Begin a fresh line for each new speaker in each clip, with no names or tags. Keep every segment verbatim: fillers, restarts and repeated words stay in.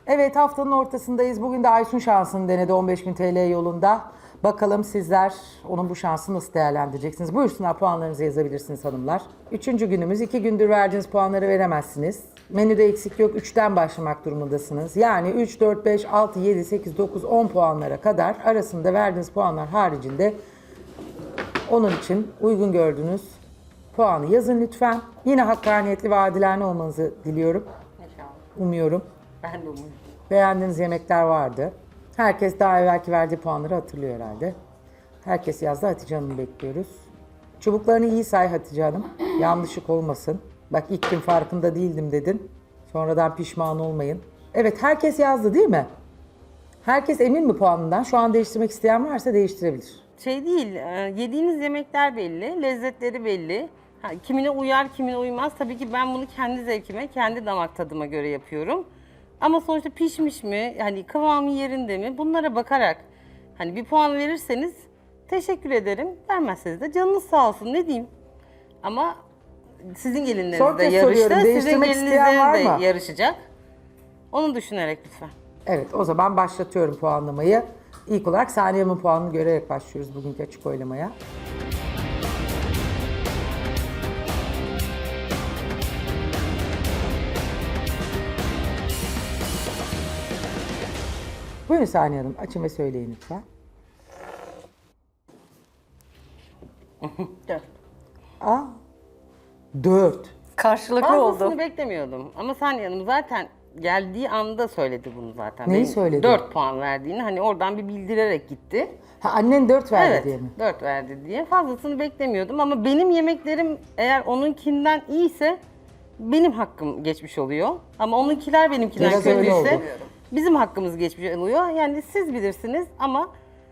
Evet, haftanın ortasındayız. Bugün de Aysun şansını denedi on beş bin T L yolunda. Bakalım sizler onun bu şansını nasıl değerlendireceksiniz? Buyursunlar, puanlarınızı yazabilirsiniz hanımlar. Üçüncü günümüz. iki gündür verdiğiniz puanları veremezsiniz. Menüde eksik yok. Üçten başlamak durumundasınız. Yani üç, dört, beş, altı, yedi, sekiz, dokuz, on puanlara kadar arasında verdiğiniz puanlar haricinde onun için uygun gördüğünüz puanı yazın lütfen. Yine hakkaniyetli ve adilane olmanızı diliyorum.
İnşallah.
Umuyorum.
Ben de umuyorum.
Beğendiğiniz yemekler vardı. Herkes daha evvelki verdiği puanları hatırlıyor herhalde. Herkes yazdı. Hatice Hanım'ı bekliyoruz. Çubuklarını iyi say Hatice Hanım. Yanlışlık olmasın. Bak ilk gün farkında değildim dedin. Sonradan pişman olmayın. Evet, herkes yazdı değil mi? Herkes emin mi puanından? Şu an değiştirmek isteyen varsa değiştirebilir.
Şey değil, e, yediğiniz yemekler belli, lezzetleri belli. Ha, kimine uyar, kimine uymaz. Tabii ki ben bunu kendi zevkime, kendi damak tadıma göre yapıyorum. Ama sonuçta pişmiş mi, hani kıvamı yerinde mi, bunlara bakarak hani bir puan verirseniz teşekkür ederim. Vermezseniz de canınız sağ olsun, ne diyeyim. Ama sizin gelinleriniz
Son
de
kez
yarıştı,
soruyorum,
sizin
değiştirmek isteyen var
gelinleriniz de
mı?
yarışacak. Onu düşünerek lütfen.
Evet, o zaman başlatıyorum puanlamayı. İlk olarak Saniye Hanım'ın puanını görerek başlıyoruz bugünkü açık oylamaya. Buyurun Saniye Hanım, açın ve söyleyin lütfen.
Dört.
Aa, dört.
Karşılıklı
Fazlasını
oldu.
beklemiyordum. Ama Saniye Hanım zaten geldiği anda söyledi bunu zaten.
Neyi
Benim
söyledi?
dört puan verdiğini. Hani oradan bir bildirerek gitti.
Ha, annen dört verdi
Evet,
diye mi?
dört verdi diye. Fazlasını beklemiyordum ama benim yemeklerim eğer onunkinden iyiyse benim hakkım geçmiş oluyor. Ama onunkiler benimkinden
Biraz öyle
kötüyse
oldu.
bizim hakkımız geçmiş oluyor. Yani siz bilirsiniz ama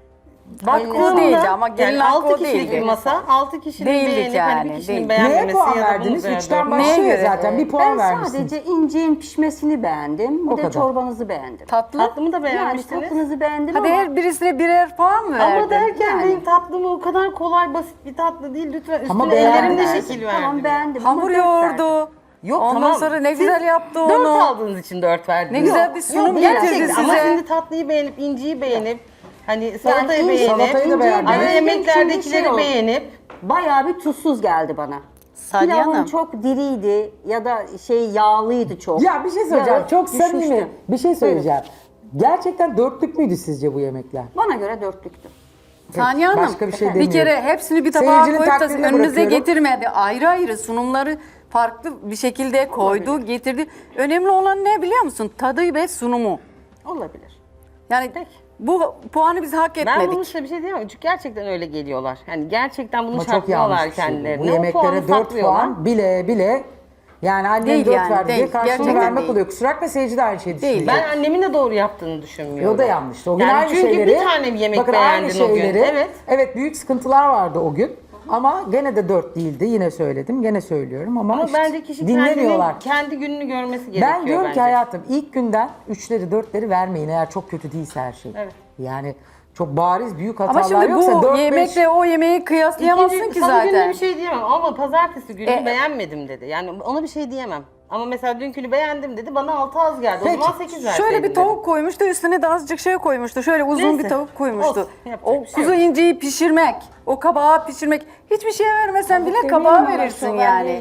Hakkı değildi ama gelin
yani
hakkı
altı
o
kişilik
değildi.
bir masa, altı kişinin
Değildik
beğenip
yani,
hani bir kişinin
değildik.
beğenmemesi
Neye puan
ya da
verdiniz?
bunun
Üçten
beğenmemesi.
başlıyor
göre?
zaten. Bir puan
Ben
vermişsiniz.
sadece inciğin pişmesini beğendim. Bir
O
de
kadar.
çorbanızı beğendim.
Tatlı.
Tatlımı da
Yani
beğenmiştiniz.
tatlınızı beğendim
Hadi
ama
her birisine birer puan mı verdin?
Ama derken
Yani.
benim tatlımı o kadar kolay basit bir tatlı değil. Lütfen
Ama
üstüne
beğendim.
ellerimle şekil verdim.
tamam beğendim
Hamur
ama dört verdim.
yoğurdu.
Yok
Ondan
tamam.
sonra ne
Siz
güzel yaptı
dört
onu.
aldığınız için dört verdim.
Ne güzel bir sunum
Yok,
getirdi
gerçekten. Ama
size.
şimdi tatlıyı beğenip, inciyi beğenip, hani salatayı
inci-
beğenip,
Salatayı da
inciyi
beğendim.
ana
beğendim çünkü
yemeklerdekileri
şey oldu.
beğenip,
Bayağı bir tuzsuz geldi bana.
Saniye
Pilavın
Hanım.
çok diriydi ya da şey yağlıydı çok.
Ya bir şey söyleyeceğim.
Yağı
Çok samimi.
düşmüştü.
Bir şey söyleyeceğim. Gerçekten dörtlük müydü sizce bu yemekler?
Bana göre dörtlüktü.
Saniye Hanım,
Başka bir şey
bir
demiyorum.
kere hepsini bir tabağa
Seyircinin
koyup da
takdirine
önünüze
bırakıyorum.
getirmedi. Ayrı ayrı sunumları farklı bir şekilde koydu, getirdi. Önemli olan ne biliyor musun? Tadı ve sunumu.
Olabilir.
Yani
Peki.
bu puanı biz hak
ben
etmedik.
bunun üstüne bir şey diyemem. Çünkü gerçekten öyle geliyorlar. Yani gerçekten bunu
Ama çok yanlış
şartlıyorlar
bir şey bu.
kendilerine.
Bu
O puanı
yemeklere dört
saklıyorlar.
puan bile bile yani annem
Değil
dört
yani,
verdi diye
değil.
karşılığını
Gerçekten
vermek
değil.
oluyor. Kusura bakma, seyirci de aynı şeyi
Değil.
düşünüyor.
Ben annemin de doğru yaptığını düşünmüyorum.
O da yanlıştı. O gün
Yani
aynı
çünkü
şeyleri...
bir tane bir yemek
bakın
beğendin
aynı
o gün.
şeyleri,
Evet.
Evet, büyük sıkıntılar vardı o gün. Ama gene de dört değildi. Yine söyledim. Gene söylüyorum ama,
Ama
işte
bence kişi
dinlemiyorlar.
kendini, kendi gününü görmesi gerekiyor
Ben diyorum
bence.
ki hayatım, ilk günden üçleri dörtleri vermeyin eğer çok kötü değilse her şey.
Evet.
Yani çok bariz büyük
Ama
hatalar
şimdi
yoksa
bu
dört beş...
yemekle o yemeği kıyaslayamazsın
İkinci-
ki
salı gününe
zaten.
bir şey diyemem ama pazartesi günü
E,
beğenmedim dedi. Yani ona bir şey diyemem. Ama mesela dünkünü beğendim dedi, bana altı az geldi.
Peki.
O zaman sekiz verseydin
Şöyle bir
dedim.
tavuk koymuştu, üstüne de azıcık şey koymuştu. Şöyle uzun
Neyse,
bir tavuk koymuştu.
olsun, yapacak
O
bir şey
kuzu
yok.
inciyi pişirmek, o kabağı pişirmek. Hiçbir şeye vermesen bile kabağı verirsin yani.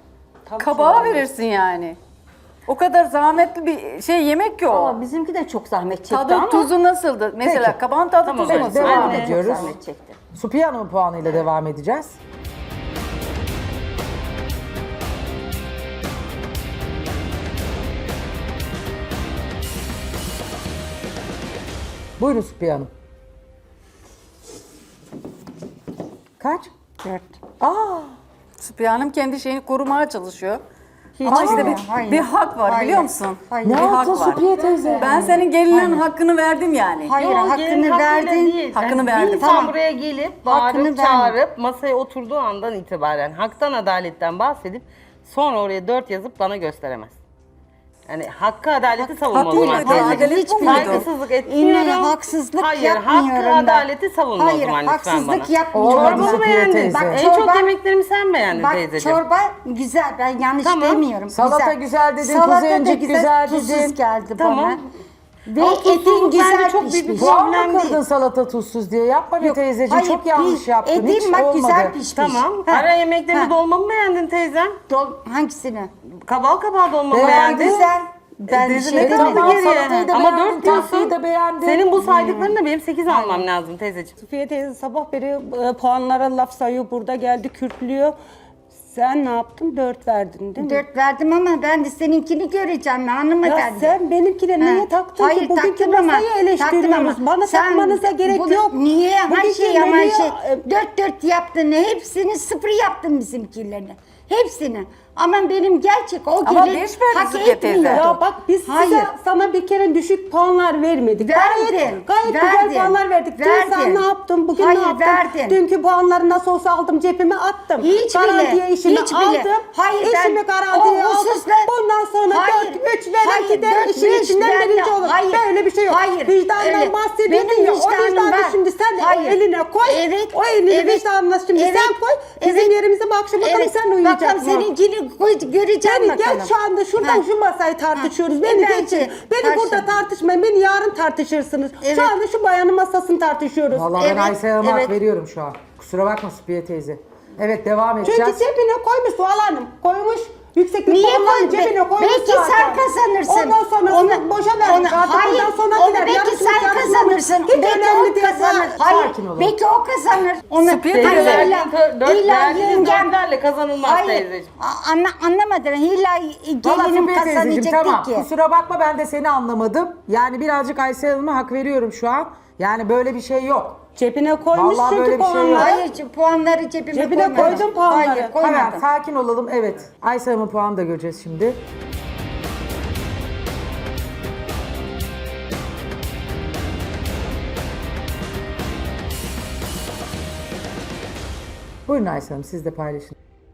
Kabağı verirsin yani. O kadar zahmetli bir şey yemek ki o.
Ama bizimki de çok zahmet çekti
Tadı
ama.
tuzu nasıldı? Mesela
Peki.
kabağın tadı
Tamam,
tuzu
evet,
nasıl?
devam
Ben de-
ediyoruz.
Çok zahmet çekti.
Supiye Hanım'ın puanıyla devam edeceğiz. Buyurun Supiye Hanım. Kaç?
Dört.
Aa,
Süpiye Hanım kendi şeyini korumaya çalışıyor. Ama işte bir,
hayır.
bir hak var
Hayır.
biliyor musun?
Hayır.
ne
Bir hak
yaptın
var.
Supiye teyze?
Ben senin gelinin hakkını verdim yani.
Hayır,
Yok,
hakkını
gelin hakkıyla
verdin.
Değil.
Hakkını
Yani
verdim.
Bir insan
Tamam.
buraya gelip
Hakkını
bağırıp
verdim.
çağırıp masaya oturduğu andan itibaren haktan adaletten bahsedip sonra oraya dört yazıp bana gösteremez. Yani hakkı adaleti savunma o
hakkı
zaman
mıydı?
teyzeciğim.
Adalet bu muydu?
Saygısızlık etmiyorum.
İnne haksızlık
Hayır,
yapmıyorum
hakkı
ben.
adaleti savunma o
Hayır,
zaman lütfen
haksızlık
bana.
yapmıyorum.
Olmadı
Çorbamı
Safiye
beğendin.
teyze.
Bak en
Çorba-
çok yemeklerimi sen beğendin
Bak
teyzeciğim.
çorba güzel, ben yanlış
Tamam.
demiyorum.
Salata güzel dedin,
Salata
kuzu
da
öncek güzel
tuzsuz
dedin.
geldi
Tamam.
bana. Ve
Ama
etin
tuzsuzluk bence
güzel
çok büyük bir
pişmiş.
Puan
problem
mı
değil.
kırdın salata tuzsuz diye? Yapma be
Yok,
teyzeciğim.
hayır,
Çok yanlış
piş-
yaptın.
Etin
Hiç
bak
olmadı.
güzel pişmiş.
Tamam.
Ha.
Ara yemeklerimi
Ha.
dolma mı beğendin teyzem?
Dol- hangisini?
Kabal kabal dolma mı
Beğendin.
beğendin?
Güzel. Ben
Dedi,
bir
ne
şey
kaldı
demedim.
geriye?
Salatayı da
Ama
beğendin,
dört diyorsun.
tatlıyı da beğendin.
Senin bu saydıklarını da benim sekiz almam lazım teyzeciğim.
Safiye teyze sabah beri e, puanlara laf sayıyor. Burada geldi kürtlüyor. Sen ne yaptın? Dört verdin değil mi?
Dört verdim ama ben de seninkini göreceğim
Ya
hanımefendi.
sen benimkine
Ha.
neye taktın
Hayır,
ki? Bugünkü
taktım ama-
masayı eleştiriyoruz.
taktım ama
Bana
sen
takmanıza gerek
bunu-
yok.
Niye? Her
Bugünkü
şey ama
menüyü,
şey.
e,
Dört dört yaptın. Hepsini sıfır yaptın bizimkilerini. Hepsini. Ama benim gerçek o
Ama
gelin
beş verdi
hak
Safiye teyze.
etmiyordu.
Ya bak biz
Hayır.
size sana bir kere düşük puanlar vermedik.
Verdin,
Gayet, gayet
verdin,
güzel puanlar verdik. Dün
verdin.
sen ne yaptın? Bugün
Hayır,
ne yaptın?
verdin.
Dünkü puanları nasıl olsa aldım cebime attım.
Hiç
Garantiye
bile,
işimi
hiç bile.
aldım.
Hayır, ben
İşimi garantiye
o
aldım.
hususla-
Bundan sonra
Hayır,
dört üç veren
hayır,
gider
dört,
işin
beş
içinden
veren-
birinci olur.
hayır,
Böyle bir şey yok.
hayır,
Vicdandan
öyle.
bahsediyorsun
Benim
ya. O
vicdanım
vicdanı
var.
şimdi sen
Hayır.
o eline koy.
Evet,
O elini
evet,
vicdanına şimdi
evet,
sen koy. Bizim
evet.
yerimize bak şimdi bakalım
Evet,
sen uyuyacak
bakalım
mı?
seninkini koy, göreceğim
Beni
bakalım.
gel şu anda şuradan
Ha.
şu masayı tartışıyoruz.
Ha.
Beni
E, bence
geçin. Beni
tartışın.
burada tartışmayın. Beni yarın tartışırsınız.
Evet.
Şu anda şu bayanın masasını tartışıyoruz.
Vallahi ben
Evet,
Aysel Hanım'a hak
evet.
veriyorum şu an. Kusura bakma Safiye teyze. Evet devam
Çünkü
edeceğiz.
cebine koymuş Sual Hanım. Koymuş. Yükseklik
Niye
puanlarını
koy?
cebine koymuş
Belki
zaten.
sen kazanırsın.
Ondan sonrasını boşa vermiş.
onu-
Artık
hayır,
ondan
onu
sonrakiler
belki
yarışmış,
sen
yarışmamış.
kazanırsın.
Hiç
Belki
önemli
o
değil.
kazanır.
Sa-
Hayır,
sakin olun.
belki o kazanır. Onu
Safiye
Teyze
teyze,
Hayır,
verdiğin
illa-
dört
illa
verdiğiniz
yengem-
dörtlerle kazanılmaz
Hayır,
teyzeciğim.
a- anla, anlamadım. İlla
Valla
gelinim
Safiye teyzeciğim
kazanacak
tamam.
ki.
Kusura bakma ben de seni anlamadım. Yani birazcık Aysel Hanım'a hak veriyorum şu an. Yani böyle bir şey yok.
Cebine koymuş
Vallahi böyle
çünkü
bir şey yok.
puanları.
Hayır, puanları cebime
Cebine
koymadım.
koydum puanları.
Hayır, koymadım.
Hemen sakin olalım. Evet. Aysel Hanım'ın puanını da göreceğiz şimdi. Buyurun Aysel Hanım siz de paylaşın.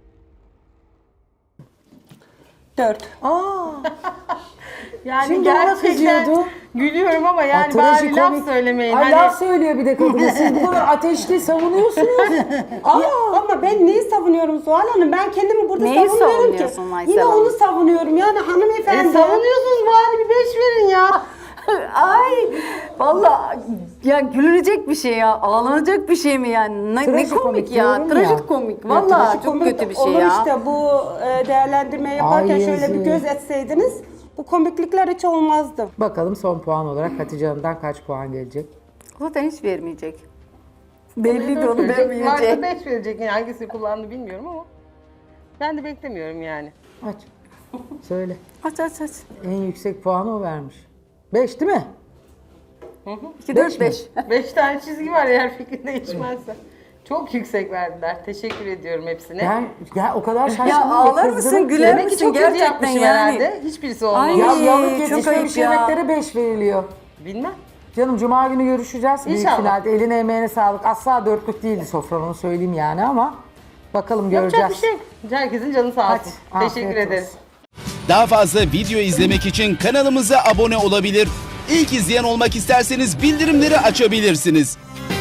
Dört.
Aa,
Yani
Şimdi ona
gerçekten
kızıyordu.
gülüyorum ama yani bari
trajikomik.
laf söylemeyin.
Ay
Hani
laf söylüyor bir de kadına. Siz bu kadar ateşli savunuyorsunuz. Aa,
Ama ben neyi savunuyorum Suhal Hanım? Ben kendimi burada
Neyi
savunmuyorum ki.
savunuyorsun Aysel
Yine
Hanım?
onu savunuyorum. Yani hanımefendi.
e, savunuyorsunuz bari bir beş verin ya.
Ay vallahi ya gülünecek bir şey ya. Ağlanacak bir şey mi yani? Ne, ne
Trajikomik
komik ya.
diyorum ya.
Trajikomik.
Ya,
Vallahi çok
Komik
kötü bir şey
olur
ya.
işte bu e, değerlendirme yaparken
Ay
şöyle bir
yazık.
göz etseydiniz bu komiklikler hiç olmazdı.
bakalım son puan olarak Hatice Hanım'dan kaç puan gelecek?
Zaten hiç vermeyecek. Belli de
Dört
onu
verecek,
vermeyecek.
Varsa beş verecek. Yani hangisini kullandı bilmiyorum ama. Ben de beklemiyorum yani.
Aç. Söyle.
Aç aç aç.
En yüksek puanı o vermiş. beş değil mi?
iki,
Beş
dört,
mi?
beş.
Beş tane çizgi var eğer fikrin değişmezse. Çok yüksek verdiler. Teşekkür ediyorum hepsine.
Ben ya o kadar şaşkınım.
Ya
ki,
ağlar
kızdım
mısın,
ki.
güler
Demek ki
misin
çok kötü
gerçekten
yapmışım
yani?
herhalde. Hiçbirisi olmadı.
Ay.
Ya yalık
çok
yetişmemiş
ayıp ya.
yemeklere beş veriliyor.
Bilmem.
Canım cuma günü görüşeceğiz. Büyük
İnşallah.
finalde. Eline emeğine sağlık. Asla dörtlük değildi sofran onu söyleyeyim yani ama bakalım göreceğiz.
Yapacak bir şey yok. Herkesin canı sağ olsun.
Hadi,
Teşekkür
afiyet
ederiz.
olsun.
Daha fazla video izlemek için kanalımıza abone olabilir. İlk izleyen olmak isterseniz bildirimleri açabilirsiniz.